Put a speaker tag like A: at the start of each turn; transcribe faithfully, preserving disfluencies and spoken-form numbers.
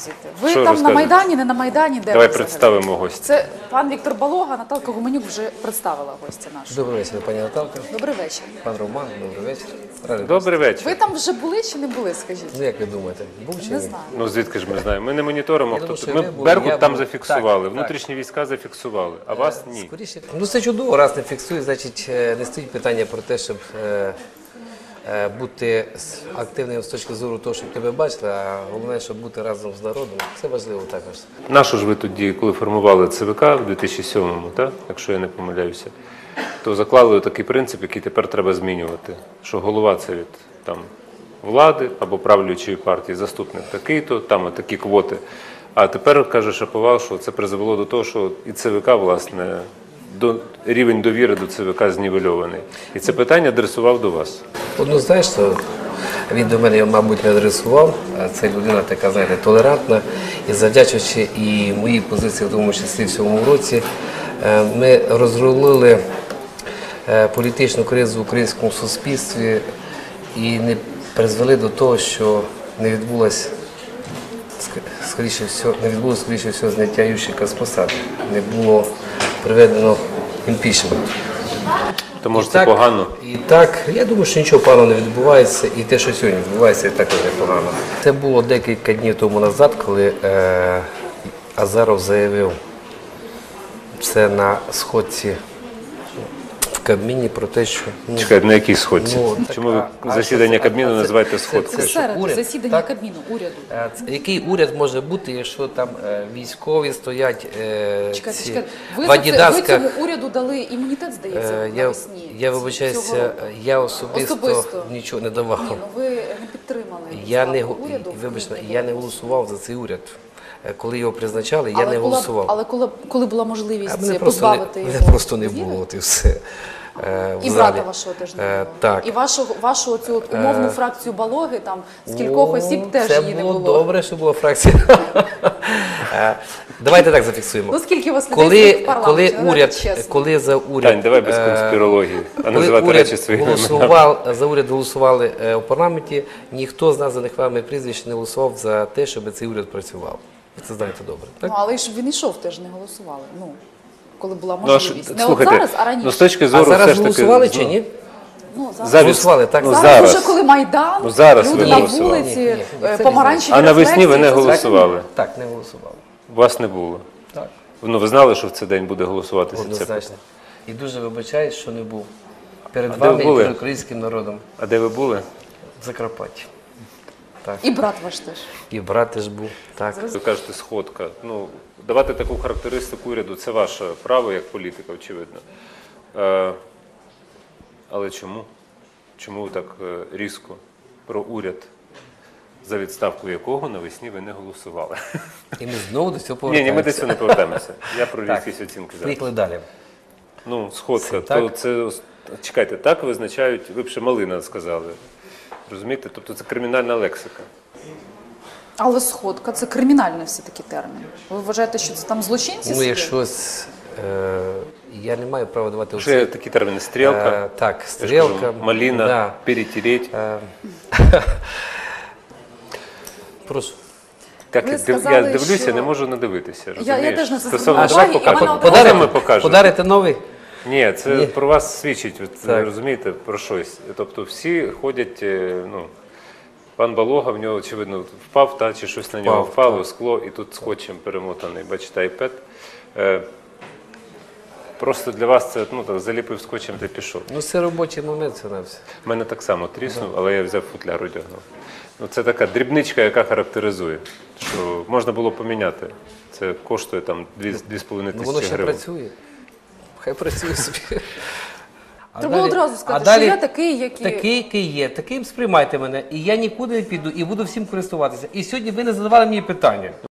A: розказуєте? Ви
B: Що
A: там
B: розказуєте?
A: на Майдані, не на Майдані, де
B: Давай
A: ви взагалі?
B: представимо гостя.
A: Це пан Віктор Балога, Наталка Гуменюк вже представила гостя нашого.
C: Добрий вечір, пані Наталка.
A: Добрий вечір.
C: Пан Роман, добрий вечір. Радий
B: Добрий
A: Ви
B: вечір.
A: там вже були чи не були, скажіть?
C: Ну, як ви думаєте, був чи
A: Не
C: ні?
A: знаю.
B: Ну звідки ж ми знаємо? Ми не моніторимо.
C: Я
B: Хто
C: думаю,
B: тут.
C: що
B: Ми
C: ви були,
B: Беркут
C: я
B: там
C: був.
B: зафіксували,
C: Так,
B: внутрішні війська зафіксували, а вас ні.
C: Скоріше. Ну це чудово, раз не фіксує, значить е, не стоїть питання про те, щоб е, е, бути с- активним з точки зору того, щоб тебе бачили, а головне, щоб бути разом з народом. Це важливо також.
B: Нашу ж ви тоді, коли формували ЦВК в дві тисячі сьомому, так? Якщо я не помиляюся, то заклали такий принцип, який тепер треба змінювати. Що голова це від там, влади або правлячої партії, заступник такий-то, там такі квоти. А тепер, каже Шаповал, що це призвело до того, що і ЦВК, власне, до, рівень довіри до ЦВК знівельований. І це питання адресував до вас.
C: Одну знаєш, що він до мене, мабуть, не адресував. а Це людина така, знаєте, толерантна. І завдячуючи і моїй позиції, в тому числі в цьому році, е, ми розрулили е, політичну кризу в українському суспільстві і не призвели до того, що не відбулося, скоріше всього, не відбулося, скоріше всього, зняття Ющенка з посади. Не було приведено імпічмент.
B: То може
C: І
B: це
C: так-
B: погано?
C: І так, я думаю, що нічого поганого не відбувається, і те, що сьогодні відбувається, і також не погано. Це було декілька днів тому назад, коли е, Азаров заявив це на сходці в Кабміні про те, що... ну,
B: Чекайте, на якій сходці?
C: Ну, так,
B: Чому ви
C: а- а
B: засідання
C: що це?
B: Кабміну
C: А це-
B: називаєте
C: це-
B: сходкою?
C: це-
A: Серед
C: уряд,
A: засідання
C: так?
A: Кабміну, уряду.
C: Е, це- Який уряд може бути, якщо там е, військові стоять е,
A: Чекайте,
C: ці,
A: чекайте. Ви,
C: в
A: за це, ви
C: адідасках?
A: цьому уряду дали імунітет, здається,
C: Е, я,
A: навесні.
C: я
A: цього
C: вибачаюся,
A: року.
C: я особисто,
A: Особисто.
C: нічого не давав.
A: Ні, ну ви не підтримали
C: Я не,
A: відставку
C: го-
A: уряду.
C: і, вибачте,
A: в квітні.
C: я не голосував за цей уряд. Е, Коли його призначали, я
A: але
C: не
A: була,
C: голосував.
A: Але коли, коли була
C: А
A: можливість
C: мене просто, не,
A: позбавити
C: мене
A: його
C: просто не
A: довіри?
C: було, от і все. Е, в
A: І
C: залі.
A: брата вашого теж не
C: Е,
A: було.
C: так.
A: І вашу, вашу оцю от умовну фракцію Балоги, там з кількох
C: О,
A: осіб теж
C: це
A: її не
C: було
A: було.
C: добре, що була фракція. Е, Давайте так зафіксуємо.
A: Ну скільки у вас людей
C: Коли,
A: сидить в парламенті?
C: коли,
A: Давайте
C: уряд,
A: чесно.
C: коли за уряд...
B: Тань, давай без
C: е,
B: конспірології, а
C: Коли
B: називати
C: уряд
B: речі своїми іменами.
C: голосував, за уряд голосували е, у парламенті, ніхто з названих вами прізвищ не голосував за те, щоб цей уряд працював. Ви це знаєте добре. Так?
A: Ну, але ж він йшов, теж не голосували. Ну, коли була
B: Ну, а ж,
A: можливість. не
B: слухайте,
A: от зараз, а раніше.
B: ну з точки
C: А
B: зору
C: зараз
B: все ж таки...
C: голосували чи ні?
A: Ну, зараз.
B: Зараз,
C: Голосували, так?
B: ну,
A: зараз,
B: зараз.
A: уже коли Майдан,
B: Ну, зараз
A: люди
B: ви
A: на
B: голосували.
A: вулиці,
C: Ні, ні, ні,
A: е,
C: це
A: помаранчеві
B: А навесні ви не
A: рефлексії, це
B: голосували?
C: Так, не голосували.
B: Вас не було.
C: Так.
B: Ну, ви знали, що в цей день буде голосуватися це
C: Однозначно.
B: питання?
C: І дуже вибачаюсь, що не був. Перед
B: А де
C: вами
B: ви
C: і
B: були?
C: перед українським народом.
B: А де ви були?
C: В Закарпатті. Так.
A: І брат ваш теж.
C: І брат теж був. Так.
B: Ви кажете, сходка. Ну, давати таку характеристику уряду – це ваше право як політика, очевидно. Е, але чому? Чому ви так е, різко про уряд, за відставку якого навесні ви не голосували?
C: І ми знову до цього
B: Ні,
C: повертаємося.
B: ні, ми до цього не повертаємося. Я про
C: Так.
B: різкість оцінки зараз.
C: Поїхали далі.
B: Ну, сходка,
C: Це
B: то
C: так?
B: це, ос- чекайте, так визначають, ви б ще малина сказали. Розумієте? Тобто це кримінальна лексика.
A: Але сходка – це кримінальний все-таки термін. Ви вважаєте, що це там злочинці
C: Ну,
A: сидять?
C: якщо е, я не маю права давати
B: Ще є
C: оці-
B: такі терміни стрілка,
C: Е, так,
B: я ж
C: стрілка,
B: кажу, маліна,
C: да.
B: перетереть.
C: Е, Прошу.
B: Так,
A: Ви
B: я див-
A: сказали,
B: я дивлюся,
A: що-
B: не можу надивитися.
A: Я- я
B: Розумієш?
A: теж на це
B: Стосовно,
A: звернула
B: давай
A: увагу, і
B: покажемо.
A: вона одразу-
B: Давай ми покажемо.
C: Подарите новий?
B: Ні, це
C: Ні.
B: про вас свідчить, от,
C: Так.
B: розумієте, про щось. Тобто всі ходять, е, ну, пан Балога, в нього, очевидно, впав, та, чи щось на нього
C: Впав,
B: впало,
C: так.
B: скло, і тут скотчем перемотаний, бачите, айпед. Е, просто для вас це, ну, так, заліпив скотчем та пішов.
C: Ну, це робочий момент, це на все.
B: У мене так само тріснув, але я взяв футляр, одягнув. Ну, це така дрібничка, яка характеризує, що можна було поміняти. Це коштує там дві з половиною
C: Ну, воно
B: тисячі
C: ще
B: гривень.
C: працює. Хай працює собі. А
A: Треба
C: далі-
A: одразу
C: а
A: сказати,
C: далі
A: що я такий, який...
C: Такий, який є, таким сприймайте мене, і я нікуди не піду, і буду всім користуватися. І сьогодні ви не задавали мені питання.